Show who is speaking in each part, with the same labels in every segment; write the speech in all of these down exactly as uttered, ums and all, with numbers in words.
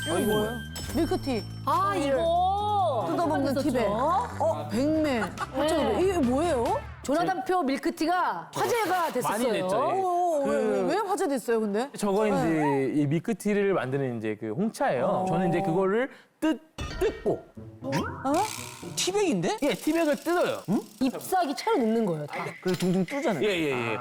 Speaker 1: 이거 뭐예요? 밀크티.
Speaker 2: 아, 이거.
Speaker 1: 뜯어먹는 티백. 어, 백매. 네. 이게 뭐예요?
Speaker 2: 조나단표 밀크티가 화제가 됐었어요.
Speaker 3: 많이 됐죠.
Speaker 1: 어,
Speaker 3: 그-
Speaker 1: 왜, 왜, 왜 화제됐어요, 근데?
Speaker 3: 저거 이제 이 밀크티를 만드는 이제 그 홍차예요. 저는 이제 그거를 뜯 뜯고
Speaker 4: 티백인데?
Speaker 3: 예 티백을 뜯어요.
Speaker 2: 잎사귀 채로 넣는 거예요, 다.
Speaker 4: 그래 둥둥 뜨잖아요.
Speaker 3: 예예 예.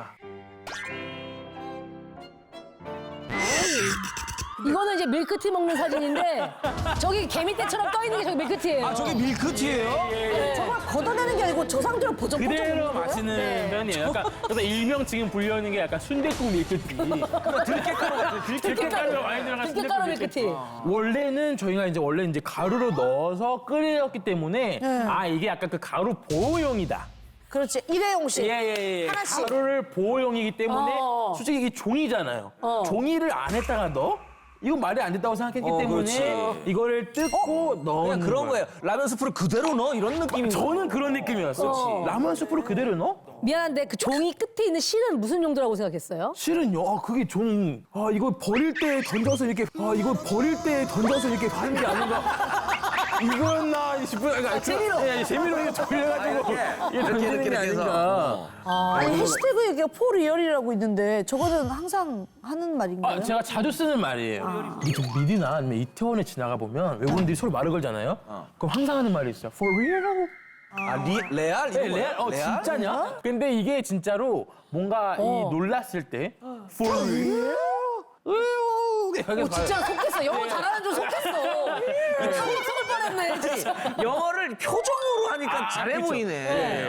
Speaker 2: 이거는 이제 밀크티 먹는 사진인데 저기 개미떼처럼 떠 있는 게 저기 밀크티예요.
Speaker 4: 아 저게 밀크티예요?
Speaker 1: 저걸 걷어내는 게 아니고 저 상태로 보정보정
Speaker 3: 그대로
Speaker 1: 먹는 거예요?
Speaker 3: 마시는
Speaker 2: 네.
Speaker 3: 편이에요. 약간 그래서 일명 지금 불리는 게 약간 순댓국 밀크티. 들깨가루 같은 들깨가루가 많이 들어간
Speaker 2: 들깨가루
Speaker 3: 순댓국
Speaker 2: 밀크티.
Speaker 3: 원래는 저희가 이제 원래 이제 가루로 넣어서 끓였기 때문에 아 이게 약간 그 가루 보호용이다.
Speaker 1: 그렇지, 일회용씩.
Speaker 3: 예예예.
Speaker 1: 하나씩.
Speaker 3: 가루를 보호용이기 때문에
Speaker 2: 어.
Speaker 3: 솔직히 이게 종이잖아요.
Speaker 2: 어.
Speaker 3: 종이를 안에다가 넣어? 이건 말이 안 됐다고 생각했기
Speaker 4: 어,
Speaker 3: 때문에
Speaker 4: 그렇지.
Speaker 3: 이거를 뜯고 넣는
Speaker 4: 그냥 그런 거예요. 라면 스프를 그대로 넣어 이런 느낌인 거예요.
Speaker 3: 저는 그런 느낌이었어. 라면 스프를 그대로 넣어?
Speaker 2: 미안한데 그 종이 끝에 있는 실은 무슨 용도라고 생각했어요?
Speaker 3: 실은요. 아, 그게 종. 아 이거 버릴 때 던져서 이렇게. 아 이거 버릴 때 던져서 이렇게 하는 게 아닌가. 이거였나 싶은. 그러니까
Speaker 2: 재미로.
Speaker 3: 예, 재미로 이렇게 돌려가지고 이게 던지는 게 아닌가.
Speaker 1: 아니, 해시태그에 이게 포리얼이라고 있는데 저거는 항상 하는 말인가요?
Speaker 3: 아, 제가 자주 쓰는 말이에요. 이게 좀 미디나 아니면 이태원에 지나가 보면 외국인들이 서로 말을 걸잖아요. 그럼 항상 하는 말이 있어요. For real이라고.
Speaker 4: 아 리, 레알? 이거
Speaker 3: 네, 레알? 어, 진짜냐? 근데 이게 진짜로 뭔가 이 놀랐을 때 For real? 으유,
Speaker 2: 오, 진짜 속겠어. 영어 잘하는 줄 속겠어. 탕 속을 뻔했네, 진짜.
Speaker 4: 영어를 표정으로 하니까
Speaker 3: 아,
Speaker 4: 잘해
Speaker 3: 그쵸.
Speaker 4: 보이네.